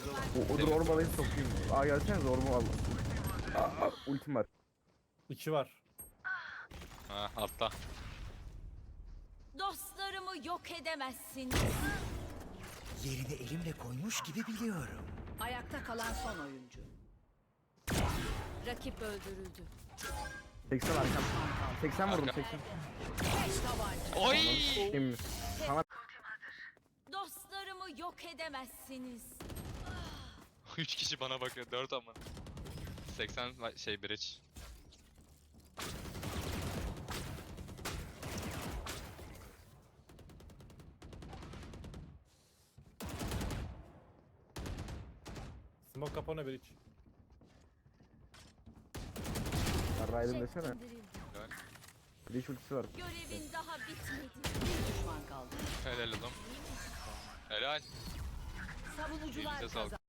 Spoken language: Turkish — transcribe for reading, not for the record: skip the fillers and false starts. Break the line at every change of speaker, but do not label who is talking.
O orbalayı sokayım. Aa gelsene orba al. Ultim var.
2 var.
Ha altta.
Dostlarımı yok edemezsin.
Yerini elimle koymuş gibi biliyorum.
Ayakta kalan son oyuncu.
Rakip öldürüldü.
80 arkam. 80 vurdum
Arka.
80.
Beş tabanca.
Oy!
Şimdi. Sana
'Dostlarımı yok edemezsiniz.
3 kişi bana bakıyor. 4 ama. 80 şey bridge.
Smoke kapana bir iç.
Raiden desene.
Çekildirildi.
Flash ultisi var.
Görevin daha bitmedi.
Bir düşman kaldı.
Helal oğlum. Helal.
Savunucular
Elinize sağlık.
kazandı.